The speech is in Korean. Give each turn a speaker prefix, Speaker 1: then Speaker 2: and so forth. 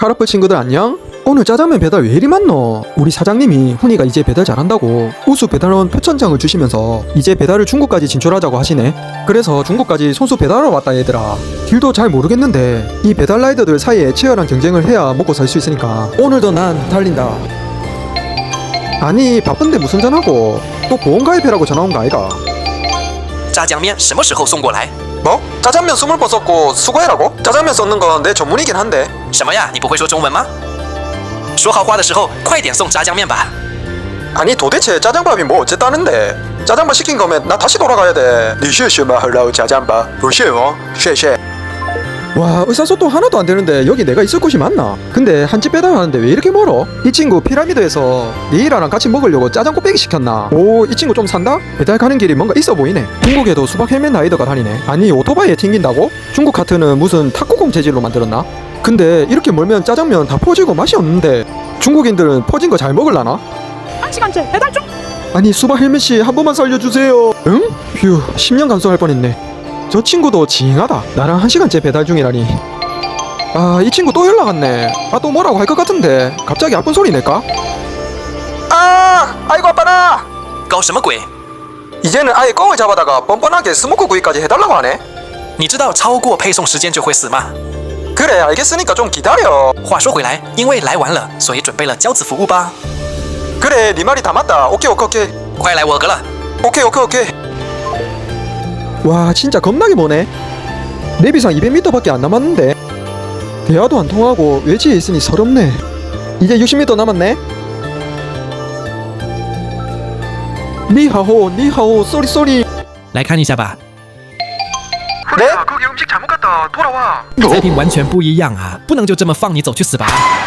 Speaker 1: 카라풀 친구들 안녕? 오늘 짜장면 배달 왜 이리 많노? 우리 사장님이 훈이가 이제 배달 잘한다고 우수 배달원 표천장을 주시면서 이제 배달을 중국까지 진출하자고 하시네. 그래서 중국까지 손수 배달하러 왔다 얘들아. 길도 잘 모르겠는데 이 배달 라이더들 사이에 치열한 경쟁을 해야 먹고 살 수 있으니까 오늘도 난 달린다. 아니 바쁜데 무슨 전화고 또 보험가입해라고 전화 온 거 아이가?
Speaker 2: 炸酱面什么时候送过来？
Speaker 1: 뭐? 짜장면 20번 썼고 수고해라고? 짜장면 썼는 건 내 전문이긴 한데.
Speaker 2: 什么呀？你不会说中文吗？说好话的时候，快点送炸酱面吧。
Speaker 1: 아니 도대체 짜장밥이 뭐 어쨌다는데? 짜장밥 시킨 거면 나 다시 돌아가야 돼. 你是什么hello 짜장밥? 不是哦，谢谢. 와 의사소통 하나도 안 되는데 여기 내가 있을 곳이 맞나? 근데 한 집 배달하는데 왜 이렇게 멀어? 이 친구 피라미드에서 니이라랑 같이 먹으려고 짜장 곱빼기 시켰나? 오 이 친구 좀 산다? 배달 가는 길이 뭔가 있어 보이네. 중국에도 수박 헬멧 라이더가 다니네. 아니 오토바이에 튕긴다고? 중국 카트는 무슨 탁구공 재질로 만들었나? 근데 이렇게 멀면 짜장면 다 퍼지고 맛이 없는데 중국인들은 퍼진 거 잘 먹을라나?
Speaker 3: 1시간째 배달 중!
Speaker 1: 아니 수박 헬멧씨 한 번만 살려주세요. 응? 휴 10년 감수할 뻔했네. 저 친구도 징하다. 나랑 1시간째 배달 중이라니. 아 이 친구 또 연락 왔네. 아 또 뭐라고 할 것 같은데 갑자기 아픈 소리 낼까? 아 아이고 아빠나.
Speaker 2: 搞什么鬼？
Speaker 1: 이제는 아예 껌을 잡아다가 뻔뻔하게 스모크 구이까지 해달라고 하네.
Speaker 2: 你知道超过配送时间就会死吗？
Speaker 1: 그래 알겠으니까 좀 기다려.
Speaker 2: 话说回来，因为来晚了，所以准备了交子服务吧。
Speaker 1: 그래 네 말이 다 맞다. 오케이 오케이 오케이.
Speaker 2: 快来我格了。
Speaker 1: 오케이 오케이 오케이. 와 진짜 겁나게 머네. 내비상 200m밖에 안 남았는데 대화도 안 통하고 외지에 있으니 서럽네. 이제 60m 남았네. 니하오 니하오 쏘리 쏘리.
Speaker 2: 来看一下吧，
Speaker 1: 네?
Speaker 3: 거기 음식 잘못 갔다 돌아와.
Speaker 2: 菜品完全不一样啊，不能就这么放你走去死吧。